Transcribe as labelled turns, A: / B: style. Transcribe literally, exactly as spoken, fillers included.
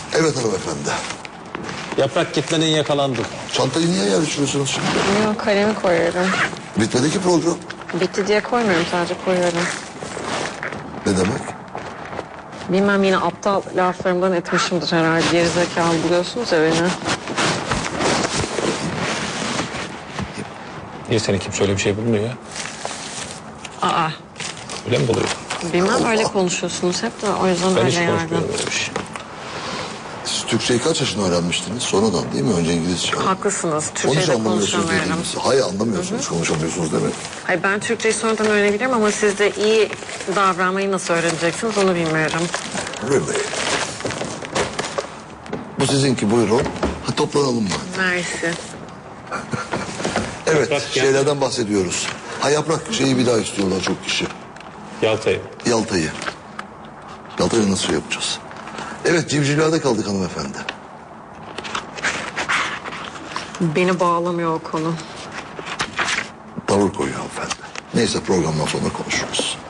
A: Evet hanımefendi.
B: Yaprak kitlenin yakalandı.
A: Çantayı niye yerleştiriyorsunuz şimdi?
C: Yok, kalemi koyuyorum.
A: Bitmedi ki program.
C: Bitti diye koymuyorum, sadece koyuyorum.
A: Ne demek?
C: Bilmem, yine aptal laflarımdan etmişimdir herhalde. Gerizekalı buluyorsunuz ya beni.
B: Niye seni kimse öyle bir şey bulmuyor ya?
C: Aa,
B: Öyle mi buluyor?
C: bilmem, öyle konuşuyorsunuz hep de, o yüzden
B: Ben
C: öyle
B: hiç
C: yardım.
B: konuşmuyorum öyle bir şey.
A: Siz Türkçeyi kaç yaşında öğrenmiştiniz? Sonradan değil mi? Önce İngilizce.
C: Haklısınız,
A: Onun için
C: Türkçe'de
A: anlamıyorsunuz
C: konuşamıyorum.
A: dediğiniz. Hayır anlamıyorsunuz, konuşamıyorsunuz demek.
C: Hayır, ben Türkçeyi sonradan öğrenebilirim ama siz de iyi davranmayı nasıl öğreneceksiniz onu bilmiyorum.
A: Really? Bu sizinki, buyurun. Ha, toplanalım mı?
C: Mersi.
A: Evet,
B: Yaprak gel.
A: şeylerden bahsediyoruz. Ha yaprak şeyi bir daha istiyorlar çok kişi.
B: Yalta'yı.
A: Yalta'yı. Yalta'yı nasıl yapacağız? Evet, civcivlerde kaldık hanımefendi.
C: Beni bağlamıyor o konu.
A: Tavır koyuyor hanımefendi. Neyse programdan sonra konuşuruz.